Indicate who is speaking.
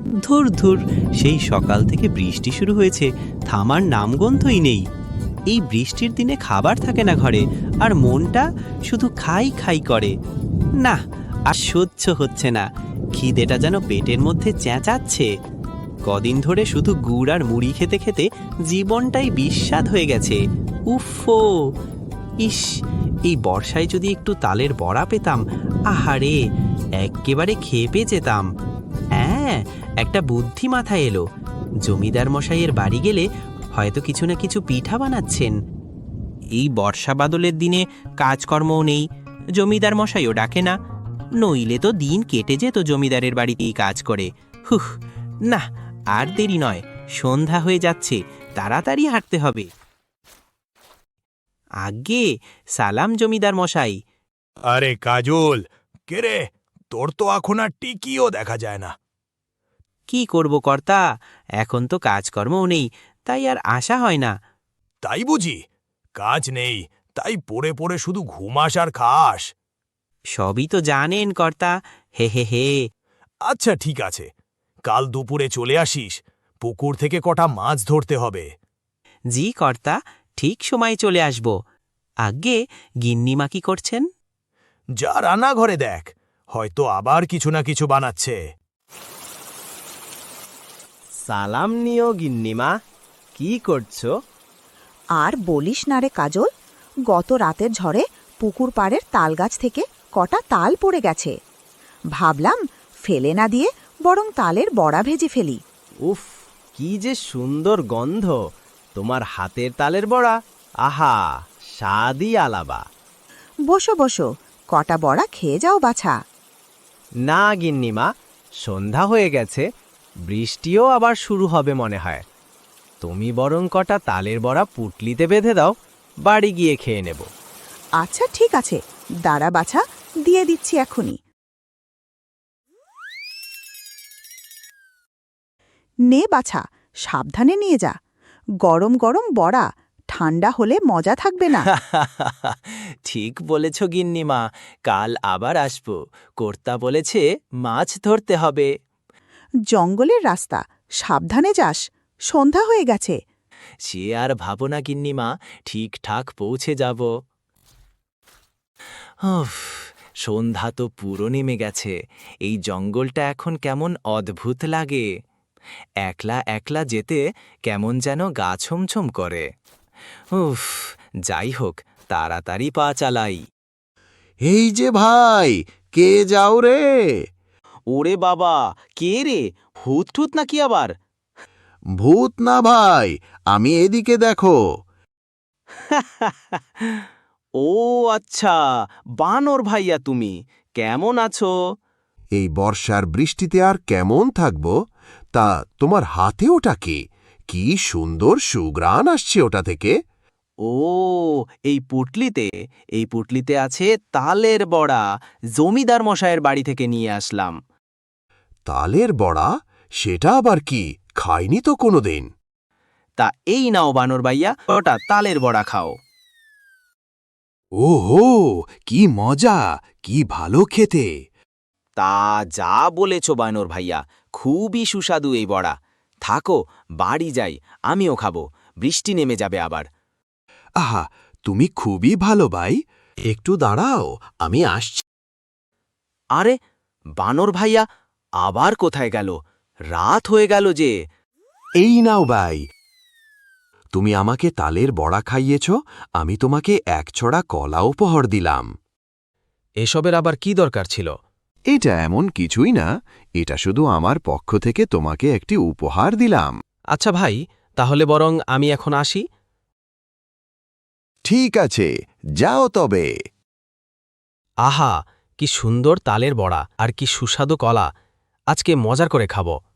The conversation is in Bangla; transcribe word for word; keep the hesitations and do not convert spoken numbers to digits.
Speaker 1: ধুর ধুর, সেই সকাল থেকে বৃষ্টি শুরু হয়েছে, থামার নামগন্ধই নেই। এই বৃষ্টির দিনে খাবার থাকে না ঘরে, আর মনটা শুধু খাই খাই করে। না, আর সহ্য হচ্ছে না, খিদেটা যেন পেটের মধ্যে চেঁচাচ্ছে। কদিন ধরে শুধু গুড় আর মুড়ি খেতে খেতে জীবনটাই বিস্বাদ হয়ে গেছে। উফো, ইস, এই বর্ষায় যদি একটু তালের বড়া পেতাম, আহারে, এক্কেবারে খেপে যেতাম। হ্যাঁ, একটা বুদ্ধি মাথায় এলো। জমিদার মশাইয়ের বাড়ি গেলে হয়তো কিছু না কিছু পিঠা বানাচ্ছেন। এই বর্ষা বাদলের দিনে কাজকর্মও নেই, জমিদার মশাইও ডাকে না, নইলে তো দিন কেটে যেত জমিদারের বাড়িতেই কাজ করে। হুহ, না, আর দেরি নয়, সন্ধ্যা হয়ে যাচ্ছে, তাড়াতাড়ি হাঁটতে হবে। আগে সালাম জমিদার মশাই।
Speaker 2: আরে কাজল, কে রে? তোর তো এখন আর টিকিও দেখা যায় না।
Speaker 1: কি করব কর্তা, এখন তো কাজকর্মও নেই, তাই আর আশা হয় না।
Speaker 2: তাই বুঝি? কাজ নেই, তাই পড়ে পড়ে শুধু ঘুমাস আর খাস।
Speaker 1: সবই তো জানেন কর্তা, হে হে হে।
Speaker 2: আচ্ছা ঠিক আছে, কাল দুপুরে চলে আসিস, পুকুর থেকে কটা মাছ ধরতে হবে।
Speaker 1: জি কর্তা, ঠিক সময় চলে আসব। আগে গিন্নিমা কি করছেন?
Speaker 2: যা রান্নাঘরে দেখ, হয়তো আবার কিছু না কিছু বানাচ্ছে।
Speaker 3: সালাম নিও গিন্নিমা, কি করছো?
Speaker 4: আর বলিস না রে কাজল, গত রাতের ঝড়ে পুকুর পাড়ের তালগাছ থেকে কটা তাল পড়ে গেছে। ভাবলাম ফেলে না দিয়ে বরং তালের বড়া ভেজে ফেলি।
Speaker 3: উফ, কি যে সুন্দর গন্ধ তোমার হাতের তালের বড়া। আহা, স্বাদই আলাবা।
Speaker 4: বসো বসো, কটা বড়া খেয়ে যাও বাছা।
Speaker 3: না গিন্নিমা, সন্ধ্যা হয়ে গেছে, বৃষ্টিও আবার শুরু হবে মনে হয়। তুমি বরং কটা তালের বড়া পুটলিতে বেঁধে দাও, বাড়ি গিয়ে খেয়ে নেব।
Speaker 4: আচ্ছা ঠিক আছে, দাঁড়া বাছা, দিয়ে দিচ্ছি এখনই। নে বাছা, সাবধানে নিয়ে যা। গরম গরম বড়া, ঠান্ডা হলে মজা থাকবে না।
Speaker 3: ঠিক বলেছ গিন্নিমা, কাল আবার আসব। কর্তা বলেছে মাছ ধরতে হবে।
Speaker 4: জঙ্গলের রাস্তা, সাবধানে যাস, সন্ধ্যা হয়ে গেছে।
Speaker 3: সে আর ভাবো না গিন্নিমা, ঠিকঠাক পৌঁছে যাব। উফ, সন্ধ্যা তো পুরো নেমে গেছে, এই জঙ্গলটা এখন কেমন অদ্ভুত লাগে। একলা একলা যেতে কেমন যেন গা ছমছম করে। উফ, যাই হোক, তাড়াতাড়ি পা চালাই।
Speaker 5: এই যে ভাই, কে যাও রে?
Speaker 3: ওরে বাবা, কে রে? ভূত ঠুত নাকি আবার?
Speaker 5: ভূত না ভাই, আমি এদিকে দেখো।
Speaker 3: ও আচ্ছা, বানর ভাইয়া তুমি, কেমন আছো?
Speaker 5: এই বর্ষার বৃষ্টিতে আর কেমন থাকবো? তা তোমার হাতে ওটা কি? কি সুন্দর সুঘ্রাণ আসছে ওটা থেকে।
Speaker 3: ও, এই পুটলিতে এই পুটলিতে আছে তালের বড়া, জমিদার মশায়ের বাড়ি থেকে নিয়ে আসলাম।
Speaker 5: তালের বড়া? সেটা আবার কি? খাইনি তো কোনোদিন।
Speaker 3: তা এই নাও বানর ভাইয়া, ওটা তালের বড়া খাও।
Speaker 5: ওহো, কি মজা, কি ভালো খেতে।
Speaker 3: তা যা বলেছ বানর ভাইয়া, খুবই সুস্বাদু এই বড়া। থাকো, বাড়ি যাই, আমিও খাবো, বৃষ্টি নেমে যাবে আবার।
Speaker 5: আহা, তুমি খুবই ভালো ভাই, একটু দাঁড়াও, আমি আসছি।
Speaker 3: আরে বানর ভাইয়া আবার কোথায় গেল? রাত হয়ে গেল যে।
Speaker 5: এই নাও ভাই, তুমি আমাকে তালের বড়া খাইয়েছ, আমি তোমাকে এক ছড়া কলা উপহার দিলাম।
Speaker 3: এসবের আবার কি দরকার ছিল?
Speaker 5: এটা এমন কিছুই না, এটা শুধু আমার পক্ষ থেকে তোমাকে একটি উপহার দিলাম।
Speaker 3: আচ্ছা ভাই, তাহলে বরং আমি এখন আসি।
Speaker 5: ঠিক আছে, যাও তবে।
Speaker 3: আহা, কি সুন্দর তালের বড়া আর কি সুস্বাদু কলা, আজকে মজার করে খাবো।